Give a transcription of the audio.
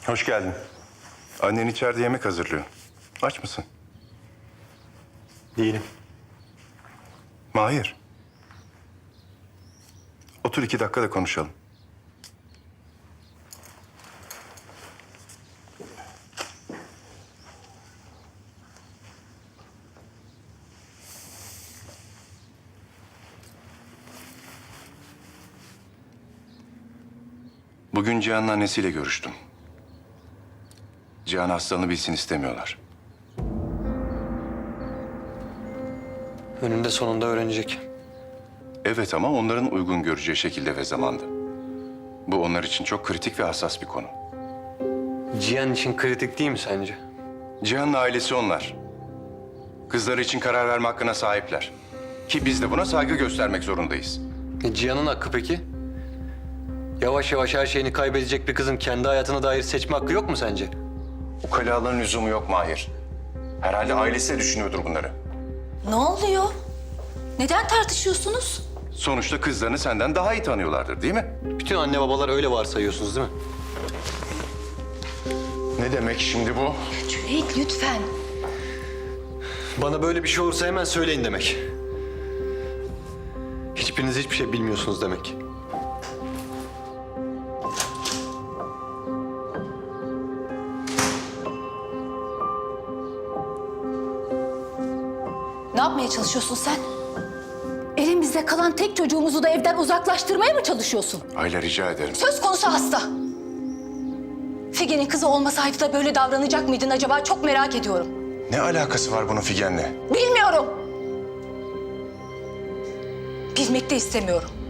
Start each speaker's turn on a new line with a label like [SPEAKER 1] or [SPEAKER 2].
[SPEAKER 1] Hoş geldin. Annen içeride yemek hazırlıyor. Aç mısın?
[SPEAKER 2] Değilim.
[SPEAKER 1] Mahir. Otur 2 dakika da konuşalım. Bugün Cihan'ın annesiyle görüştüm. Cihan hastalığını bilsin istemiyorlar.
[SPEAKER 2] Önünde sonunda öğrenecek.
[SPEAKER 1] Evet ama onların uygun göreceği şekilde ve zamanda. Bu onlar için çok kritik ve hassas bir konu.
[SPEAKER 2] Cihan için kritik değil mi sence?
[SPEAKER 1] Cihan'ın ailesi onlar. Kızları için karar verme hakkına sahipler. Ki biz de buna saygı göstermek zorundayız.
[SPEAKER 2] Cihan'ın hakkı peki? Yavaş yavaş her şeyini kaybedecek bir kızın kendi hayatına dair seçme hakkı yok mu sence?
[SPEAKER 1] Ukalaların lüzumu yok Mahir. Herhalde ailesi de düşünüyordur bunları.
[SPEAKER 3] Ne oluyor? Neden tartışıyorsunuz?
[SPEAKER 1] Sonuçta kızlarını senden daha iyi tanıyorlardır değil mi?
[SPEAKER 2] Bütün anne babalar öyle varsayıyorsunuz değil mi?
[SPEAKER 1] Ne demek şimdi bu?
[SPEAKER 3] Cüneyt lütfen.
[SPEAKER 2] Bana böyle bir şey olursa hemen söyleyin demek. Hiçbiriniz hiçbir şey bilmiyorsunuz demek.
[SPEAKER 3] Ne yapmaya çalışıyorsun sen? Elimizde kalan tek çocuğumuzu da evden uzaklaştırmaya mı çalışıyorsun?
[SPEAKER 1] Ayla rica ederim.
[SPEAKER 3] Söz konusu hasta. Figen'in kızı olmasaydı da böyle davranacak mıydın acaba? Çok merak ediyorum.
[SPEAKER 1] Ne alakası var bunun Figen'le?
[SPEAKER 3] Bilmiyorum. Bilmek de istemiyorum.